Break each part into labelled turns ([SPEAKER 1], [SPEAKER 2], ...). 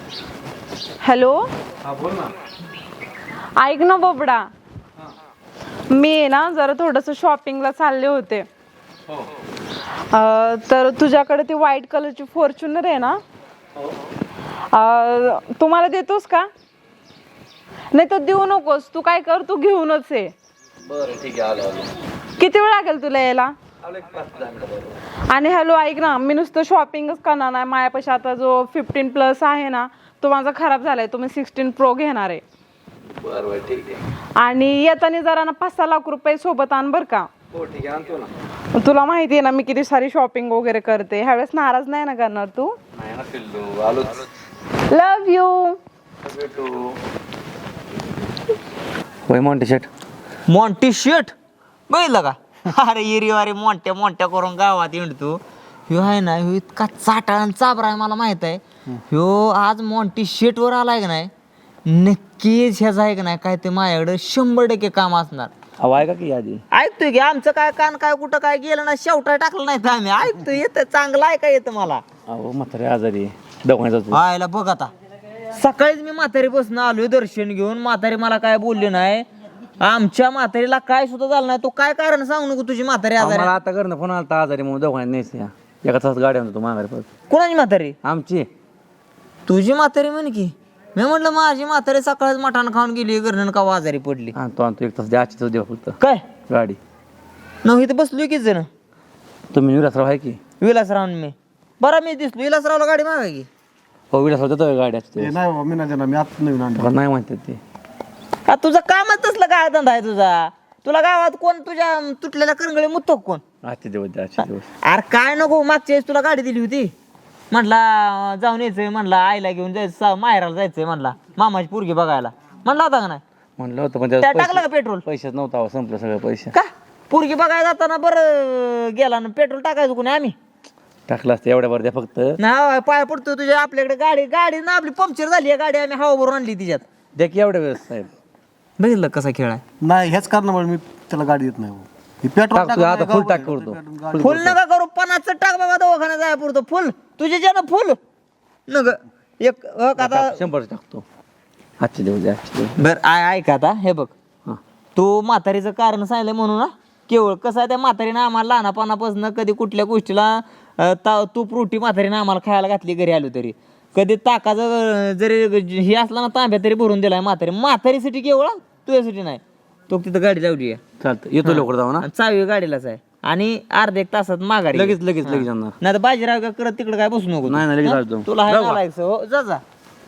[SPEAKER 1] Hello
[SPEAKER 2] हा बोल ना.
[SPEAKER 1] ऐक ना बोबडा, मी ना जरा थोडंसं शॉपिंगला चालले होते.
[SPEAKER 2] हो
[SPEAKER 1] तर तुझ्याकडे ती व्हाईट कलरची फॉर्च्युनर आहे ना,
[SPEAKER 2] हो
[SPEAKER 1] तुम्हाला देतोस का? नाही तर देऊ नकोस, तू काय कर, तू घेऊनच ये.
[SPEAKER 2] बरं ठीक आहे, आलो आलो.
[SPEAKER 1] किती वेळ लागेल तुला यायला?
[SPEAKER 2] आलो एक 5-10 मिनिटं.
[SPEAKER 1] आणि हॅलो ऐक ना, मी नुसतं शॉपिंगच करणार नाही. माझ्यापाशी आता जो 15+ आहे ना, तो माझा खराब झालाय. तो मी 16 Pro घेणार आहे.
[SPEAKER 2] बरं बरं ठीक आहे.
[SPEAKER 1] आणि येताना जरा ना 5-6 लाख रुपये सोबत आण बर का.
[SPEAKER 2] हो ठीक आहे, आणतो ना.
[SPEAKER 1] तुला माहिती आहे ना मी किती सारी शॉपिंग वगैरे करते. ह्यावेळेस नाराज नाही ना करणार तू?
[SPEAKER 2] नाही ना पिल्लू, आलोच.
[SPEAKER 1] Love you.
[SPEAKER 2] भेटू. होय मॉन्टी शर्ट.
[SPEAKER 3] मॉन्टी शर्ट बघितलं का? अरे इरीवारी मोठ्या मोठ्या करून गावात हिंडतो ह्यो आहे ना. ह्यो इतका चाटाळा चाबरा आहे, मला माहित आहे. ह्यो आज मॉन्टी शर्ट वर आलाय का नाही, नक्कीच ह्याचा आहे का नाही काय ते माझ्याकडे 100% काम असणार.
[SPEAKER 2] अहो ऐका की आधी.
[SPEAKER 3] ऐकतोय की आमचं काय कान काय कुठं काय गेलं ना, शेवटा टाकलं नाही तर आम्ही ऐकतोय. येतं चांगलं ऐका येतं मला.
[SPEAKER 2] अहो म्हातारे आजारी दवाखान्यात जातो.
[SPEAKER 3] आयला बघ आता, सकाळीच मी म्हातारी बसून आलोय दर्शन घेऊन. म्हातारी मला काय बोलली नाही. आमच्या म्हातारीला काय सुद्धा झालं नाही. तू काय कारण सांगू नको तुझी म्हातारी आजारी.
[SPEAKER 2] मला आता करणं फोन आला आजारी म्हणून दवाखान्यात न्यायचं. एका तास गाडी आणतो माघारी परत.
[SPEAKER 3] कोणाची म्हातारी?
[SPEAKER 2] आमची.
[SPEAKER 3] तुझी म्हातारी म्हण की. मी म्हटलं माझी म्हातारी सकाळीच मटाण खाऊन गेली, घरनं का आजारी पडली.
[SPEAKER 2] आणतो एक तास द्याची देवा फक्त
[SPEAKER 3] काय
[SPEAKER 2] गाडी.
[SPEAKER 3] नव्हे तर बसलोय की जण.
[SPEAKER 2] तुम्ही विलासराव आहे की?
[SPEAKER 3] विलासराव मी बरं मी दिसलो. विलासरावला गाडी मागा की.
[SPEAKER 2] हो विलासराव देतो गाडी असते.
[SPEAKER 4] नाही बाबा, मी नाही देणार. मी आता नवीन आणलं.
[SPEAKER 2] नाही म्हणतात ते.
[SPEAKER 3] का तुझं कामच तसलं काय धंदा आहे तुझा? तुला गावात कोण तुझ्या तुटलेल्या करंगळी मुत्तो कोण?
[SPEAKER 2] आजचे दिवस द्या, आजचे दिवस.
[SPEAKER 3] अरे काय नको, मागच्या वेळेस तुला गाडी दिली होती. म्हटला जाऊन यायचंय, म्हणला आईला घेऊन जायचं, माहेराला जायचंय, म्हणला मामाची पोरगी बघायला. म्हणला होता का नाही?
[SPEAKER 2] म्हणलं होतं पण
[SPEAKER 3] त्या
[SPEAKER 2] त्यात
[SPEAKER 3] टाकलं का पेट्रोल?
[SPEAKER 2] पैसेच नव्हता, संपलं सगळं पैसे.
[SPEAKER 3] का पोरगी बघायला जाताना बरं गेला ना, पेट्रोल टाकायचं कोणी आम्ही?
[SPEAKER 2] टाकलं असतं एवढ्या वर द्या फक्त.
[SPEAKER 3] ना पाय पडतो तुझ्या. आपल्याकडे गाडी ना आपली पंक्चर झाली आहे गाडी, आम्ही हवा भरून आणली तिच्यात.
[SPEAKER 2] द्या की एवढ्या वेळेस साहेब.
[SPEAKER 3] बघितलं कसा खेळ आहे.
[SPEAKER 4] नाही, हेच कारणामुळे मी त्याला गाडी देत नाही. हे पेट्रोल
[SPEAKER 2] टाकतो आता, फुल टाक करतो.
[SPEAKER 3] फुल नका करू, 50 टाक बाबा, दवाखाना जाय पुरतो फुल. तुझे ज्यानं फुल नग एक आता
[SPEAKER 2] 100 टाकतो. आजचे दिवस द्या, आजचे दिवस.
[SPEAKER 3] बर ऐक आता हे बघ.
[SPEAKER 2] हा.
[SPEAKER 3] तू म्हातारीचं कारण सांगितलं म्हणून ना, केवळ कसं आहे त्या म्हातारीनं आम्हाला लहानपणापासून कधी कुठल्या गोष्टीला तूप रोटी म्हातारीनं आम्हाला खायला घातली घरी आलो तरी. कधी ताकाचं जरी हे असला ना तांब्या तरी भरून दिलाय म्हातारी. म्हातारीसाठी केवळ, तुझ्यासाठी नाही. तो तिथं गाडी लावली आहे.
[SPEAKER 2] चालतं येतो लवकर जाऊ ना.
[SPEAKER 3] आणि चावी गाडीलाच आहे. आणि अर्ध्या एक तासात माघारी
[SPEAKER 2] लगेच जाणार.
[SPEAKER 3] नाही तर बाजीराव का करत तिकडे काय बसू नको.
[SPEAKER 2] नाही, नाही, लगेच जातो.
[SPEAKER 3] तुला हाय
[SPEAKER 2] जाऊ का?
[SPEAKER 3] नालायक हो, जा जा.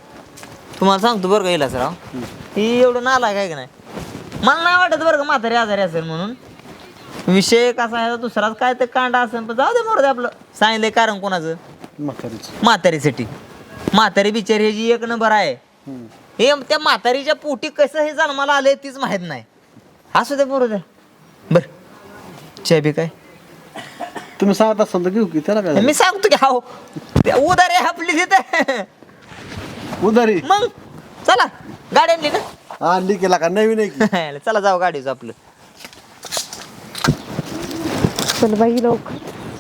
[SPEAKER 3] तुम्हाला सांगतो बरं का इलासराव, ही एवढं नालायक आहे का नाही. मला नाही वाटत बरं का म्हातारी आजारी असेल म्हणून. विषय कसा आहे दुसराच काय ते कांडा असेल, पण जाऊ दे मोर दे आपलं. सांगितलंय कारण कोणाचं? म्हातारीसाठी. म्हातारी बिचारी ह्याची एक नंबर आहे. हे त्या म्हातारीच्या पोटी कसं हे जन्माला आलंय तीच माहित नाही. असू दे बरोबर. बर चे बी काय
[SPEAKER 4] तुम्ही सांगत असाल तर घेऊ की. त्याला काय
[SPEAKER 3] मी सांगतो की हाव उदारी आपली तिथे.
[SPEAKER 4] उधारी
[SPEAKER 3] मग चला गाडी आणली ना.
[SPEAKER 4] आणली केला का? नवीन आहे की?
[SPEAKER 3] चला जाऊ गाडीचं आपलं.
[SPEAKER 1] चल बाई लवकर.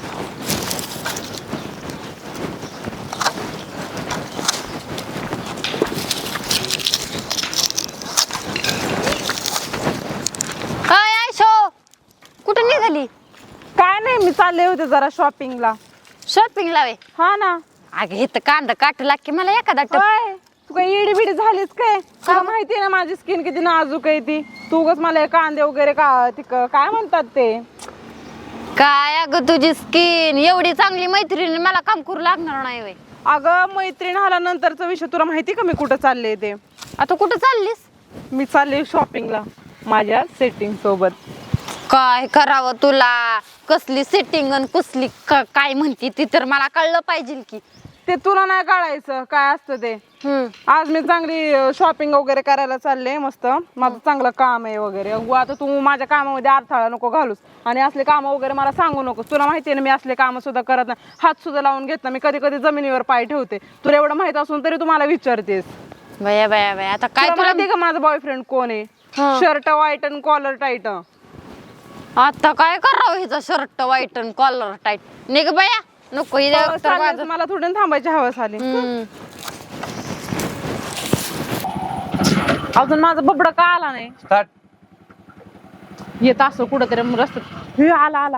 [SPEAKER 5] काय आयशो, कुठं निघाली?
[SPEAKER 1] काय नाही, मी चालले होते जरा शॉपिंगला.
[SPEAKER 5] शॉपिंग लावे?
[SPEAKER 1] हा ना.
[SPEAKER 5] अगं हे तर कांदा काट लागते मला एखादा टप.
[SPEAKER 1] काय तू काय येडी बिडी झालीस काय? तुला माहिती आहे ना माझी स्किन किती नाजूक आहे ती. तू उगाच मला हे कांदे वगैरे काय म्हणतात ते.
[SPEAKER 5] काय अगं तुझी स्किन एवढी चांगली मैत्रीण मला काम करू लागणार नाही वय.
[SPEAKER 1] अगं मैत्रीण आल्यानंतरचा विषय तुला माहिती का मी कुठं चालले ते?
[SPEAKER 5] आता कुठं चाललीस?
[SPEAKER 1] मी चालले शॉपिंगला माझ्या सेटिंग सोबत.
[SPEAKER 5] काय करावं तुला? कसली सेटिंग आणि कसली काय म्हणती ती तर मला कळलं पाहिजे की.
[SPEAKER 1] ते तुला नाही कळायचं काय असतं ते. आज मी चांगली शॉपिंग वगैरे करायला चालले. मस्त माझं चांगलं काम आहे वगैरे. आता तू माझ्या कामामध्ये अडथळा नको घालूस आणि असले काम वगैरे मला सांगू नकोस. तुला माहिती आहे ना मी असले काम सुद्धा करत नाही. हात सुद्धा लावून घेत ना मी. कधी कधी जमिनीवर पाय ठेवते. तुला एवढं माहित असून तरी तू मला विचारतेस.
[SPEAKER 5] बया बया बया आता काय
[SPEAKER 1] तुला माहिती का माझा बॉयफ्रेंड कोण आहे? शर्ट व्हाईट आणि कॉलर टाईट.
[SPEAKER 5] आता काय करावं हिचा शर्ट वाईट आणि कॉलर टाईट. निघ बया नको
[SPEAKER 1] मला थोडं थांबायची हवस आली. अजून माझा बबडा का आला नाही?
[SPEAKER 2] स्टार्ट.
[SPEAKER 1] येत असं कुठंतरी रस्त्यात. हे आला आला.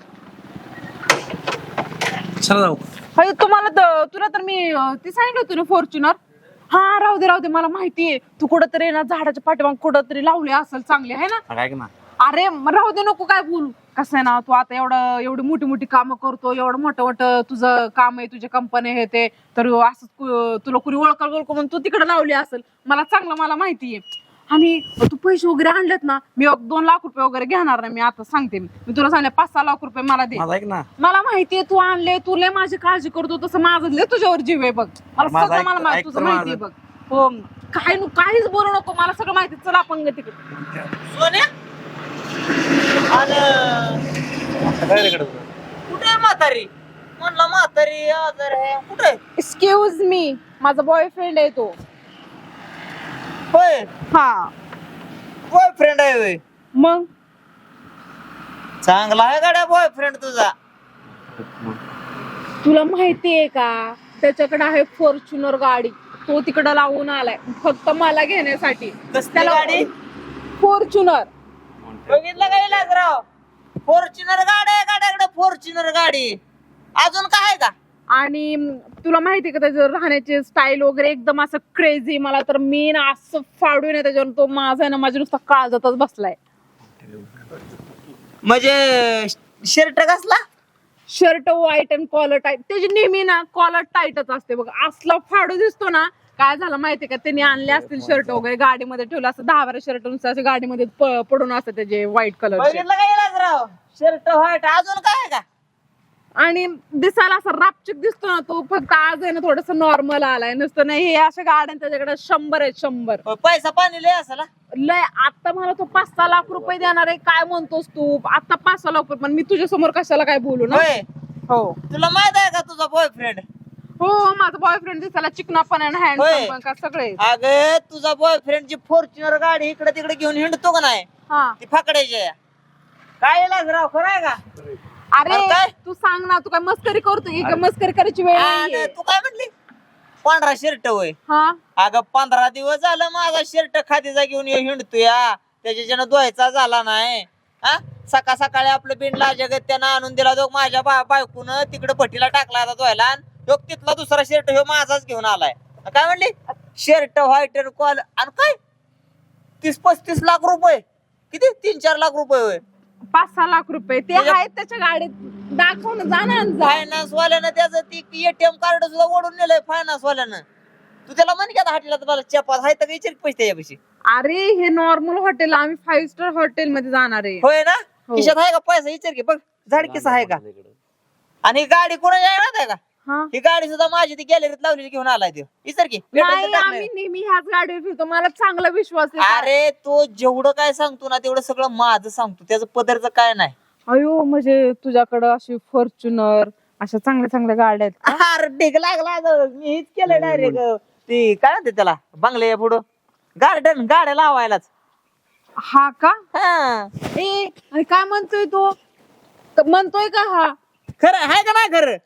[SPEAKER 2] चला जाऊ.
[SPEAKER 1] हाय तुला तर मी ती सांगितलं होतं ना फॉर्च्युनर. हा राहू दे मला माहितीये तू कुठंतरी ना झाडाच्या पाठीमाग कुठंतरी लावले असेल चांगले आहे ना.
[SPEAKER 2] काय ना
[SPEAKER 1] अरे राहू दे नको काय बोलू. कसं आहे ना तू आता एवढी मोठी मोठी कामं करतो एवढं मोठं तुझं काम आहे तुझे कंपनी हे ते तर असं तुला कुणी ओळख म्हणून तू तिकडे लावली असेल. मला माहितीये. आणि तू पैसे वगैरे आणलेत ना मी 2 लाख रुपये वगैरे घेणार नाही. मी आता सांगते मी तुला सांगले 5-6 लाख रुपये मला दे.
[SPEAKER 2] माझा ऐक ना.
[SPEAKER 1] मला माहितीये तू आणले तू लय माझी काळजी करतो तसं माझं लय तुझ्यावर जीव आहे बघ. मला सगळं मला माहिती तुझं माहितीये बघ. हो काहीच बोलू नको मला सगळं माहिती. चला आपण तिकडे.
[SPEAKER 3] सोन्या कुठे म्हातारी म्हणला म्हातारी आजार आहे कुठे?
[SPEAKER 1] एक्सक्यूज मी माझा बॉयफ्रेंड आहे तो.
[SPEAKER 3] होय
[SPEAKER 1] हा
[SPEAKER 3] बॉयफ्रेंड आहे होय.
[SPEAKER 1] मग
[SPEAKER 3] चांगला आहे गाड्या बॉयफ्रेंड तुझा.
[SPEAKER 1] तुला माहितीये का त्याच्याकडे आहे फॉर्च्युनर गाडी. तो तिकडे लावून आलाय फक्त मला घेण्यासाठी.
[SPEAKER 3] कसली गाडी?
[SPEAKER 1] फॉर्च्युनर.
[SPEAKER 3] बघितलं का इलाजराव? फॉर्च्युनर गाडी आहे गाड्याकडे फॉर्च्युनर गाडी. अजून काय आहे का?
[SPEAKER 1] आणि तुला माहितीये का त्याचं राहण्याचे स्टाईल वगैरे एकदम असं क्रेझी. मला तर मी ना असं फाडून आहे त्याच्यावर. तो माझा आहे ना माझ्या नुसता काळजातच बसलाय.
[SPEAKER 3] म्हणजे शर्ट कसला?
[SPEAKER 1] Shirt white and collar tight. त्याची नेहमी ना कॉलर टाईटच असते बघ. असला फाडू दिसतो ना. काय झालं माहितीये का त्यांनी आणले असतील शर्ट वगैरे गाडीमध्ये ठेवलं असं 10-12 शर्ट नुसतं असे गाडीमध्ये पडून असतात त्याचे व्हाईट कलर.
[SPEAKER 3] बघितलं का इलाजराव? Shirt white. अजून काय आहे का?
[SPEAKER 1] आणि दिसायला असं रापचिक दिसतो ना तो. फक्त आज आहे ना थोडस नॉर्मल आलाय नुसतं नाही. हे अशा गाड्या त्याच्याकडे 100 आहेत 100.
[SPEAKER 3] पैसा पाणी लय असेल.
[SPEAKER 1] लय. आता मला तो 5-6 लाख रुपये देणार आहे. काय म्हणतोस तू? आता 5-6 लाख रुपये. पण मी तुझ्या समोर कशाला काय बोलू ना.
[SPEAKER 3] होय
[SPEAKER 1] हो
[SPEAKER 3] तुला माहित आहे का तुझा बॉयफ्रेंड?
[SPEAKER 1] हो माझा बॉयफ्रेंड दिसायला चिकना पण हँडसम पण का सगळे.
[SPEAKER 3] अगं तुझा बॉयफ्रेंड जी फॉर्च्युनर गाडी इकडे तिकडे घेऊन हिंडतो का नाही
[SPEAKER 1] हा
[SPEAKER 3] ती फकड्याची आहे. काय इलाजराव खरं आहे का?
[SPEAKER 1] अरे
[SPEAKER 3] काय?
[SPEAKER 1] तू सांग ना तू काय मस्करी करतो की मस्करी करायची वेळ
[SPEAKER 3] आणि
[SPEAKER 1] नाहीये.
[SPEAKER 3] तू काय म्हटली? पांढरा शर्ट होय.
[SPEAKER 1] हा
[SPEAKER 3] अगं 15 दिवस झालं माझा शर्ट खादीचा घेऊन हिंडतोय. त्याच्याच्यानं धुवायचा झाला नाही. हा सकाळी आपलं बिंडला जगत त्यानं आणून दिला तो माझ्या बायकून तिकडे भट्टीला टाकला आता धुवायला. आणि तिथला दुसरा शर्ट ह्यो माझाच घेऊन आलाय. काय म्हणली? शर्ट व्हाईट कॉल आणि काय 30-35 लाख रुपये. किती? 3-4 लाख रुपये होय.
[SPEAKER 1] 5-6 लाख रुपये ते आहेत त्याच्या गाडीत. दाखव ना जा ना जा.
[SPEAKER 3] फायनान्स वाल्यानं त्याचं ती एटीएम कार्ड सुद्धा ओढून नेलंय फायनान्स वाल्यानं. तू त्याला म्हण की आता हॉटेलात मला चपात आहे तर विचार पैसे त्याच्यापाशी.
[SPEAKER 1] अरे हे नॉर्मल हॉटेल आम्ही 5 स्टार हॉटेल मध्ये जाणार आहे.
[SPEAKER 3] होय ना?
[SPEAKER 1] हो.
[SPEAKER 3] खिशात आहे का पैसा विचार की बघ. झाडकीस आहे का? आणि ही गाडी कोणाची आहे माहिती आहे का?
[SPEAKER 1] हा
[SPEAKER 3] ही गाडी सुद्धा माझी ती गॅलरीत लावलेली घेऊन आलाय तो. विचार की
[SPEAKER 1] नाही आम्ही नेहमी ह्याच गाडीवर फिरतो. मला चांगला विश्वास आहे.
[SPEAKER 3] अरे तो जेवढं काय सांगतो ना तेवढं सगळं माझं सांगतो. त्याचं पदरचं काय नाही.
[SPEAKER 1] अयो म्हणजे तुझ्याकडं अशी फॉर्च्युनर अशा चांगल्या गाड्या आहेत.
[SPEAKER 3] अरे ढीग लागला अगं. मी हेच केलं डायरेक्ट ती काय म्हणते त्याला बंगल्या पुढं गार्डन गाड्या लावायलाच.
[SPEAKER 1] हा का?
[SPEAKER 3] हा
[SPEAKER 1] ए अरे काय म्हणतोय तो? म्हणतोय का हा?
[SPEAKER 3] खरं आहे का नाही खरं?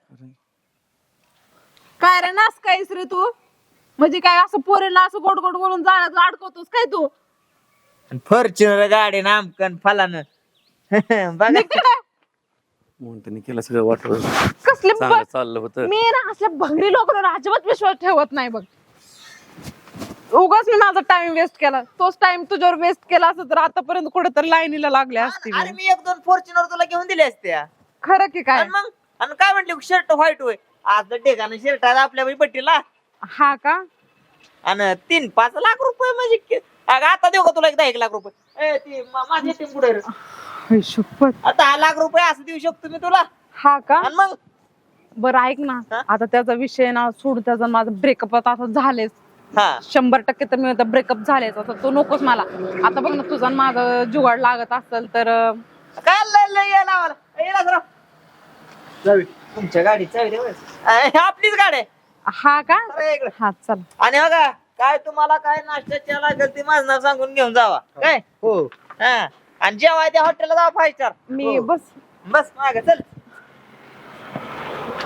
[SPEAKER 1] काय रे नास कायस रे तू? म्हणजे काय असं पोरीला असं गोड बोलून जाळ्यात अडकवतोस काय तू?
[SPEAKER 3] फॉर्च्युनर गाडी नामकन फलानं बघा
[SPEAKER 1] निकडे.
[SPEAKER 2] म्हणून केलं सगळं वाटलं.
[SPEAKER 1] कसले
[SPEAKER 2] चांगलं चाललं होतं.
[SPEAKER 1] मी ना असल्या भंगरी लोकांवर अजिबात विश्वास ठेवत नाही बघ. उगाच मी माझा टाइम वेस्ट केला. तोच टाइम तुझ्यावर वेस्ट केला असत तर आतापर्यंत कुठेतरी लाईनीला लागल्या असती.
[SPEAKER 3] अरे मी 1-2 फॉर्च्युनर तुला घेऊन दिले असते.
[SPEAKER 1] खरं की काय?
[SPEAKER 3] आणि मग आणि काय म्हटली शर्ट व्हाईट होय. आज ठिकाणी शर्ट आहे आपल्या पट्टीला.
[SPEAKER 1] हा का?
[SPEAKER 3] आणि 3-5 लाख रुपये म्हणजे अगं आता देऊ का तुला 1 लाख रुपये? ए ती माझी टीम पुढे
[SPEAKER 1] शपथ.
[SPEAKER 3] आता 10 लाख रुपये असं देऊ शकतो मी तुला.
[SPEAKER 1] हा का?
[SPEAKER 3] आणि मग
[SPEAKER 1] बरं ऐक ना
[SPEAKER 3] हा?
[SPEAKER 1] आता त्याचा विषय ना सोड. त्याचा माझं ब्रेकअप आता झालेच
[SPEAKER 3] हा
[SPEAKER 1] 100% तर मी आता ब्रेकअप झालेच. आता तो नकोच मला. आता बघ ना तुझा माझं जुगाड लागत असेल तर
[SPEAKER 3] काय लय यायला आम्हाला. येला जरा
[SPEAKER 4] जावी.
[SPEAKER 3] तुमच्या गाडी चावी दे बरं. आपलीच गाडी आहे.
[SPEAKER 1] हा का?
[SPEAKER 3] अरे इकडे.
[SPEAKER 1] हा चल.
[SPEAKER 3] आणि बघा काय तुम्हाला काय नाश्त्याच्या लागेल ते माझं नाव सांगून घेऊन जावा काय.
[SPEAKER 4] हो
[SPEAKER 3] हा आणि जेव्हा त्या हॉटेलला जावा 5 स्टार.
[SPEAKER 1] मी बस
[SPEAKER 3] बस माग चल.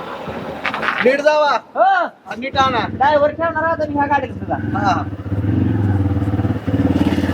[SPEAKER 4] नीट जावा
[SPEAKER 3] हो
[SPEAKER 4] आणि नीट आणा.
[SPEAKER 3] ड्रायव्हर ठेवणार आता मी ह्या गाडीत सुद्धा.
[SPEAKER 4] हा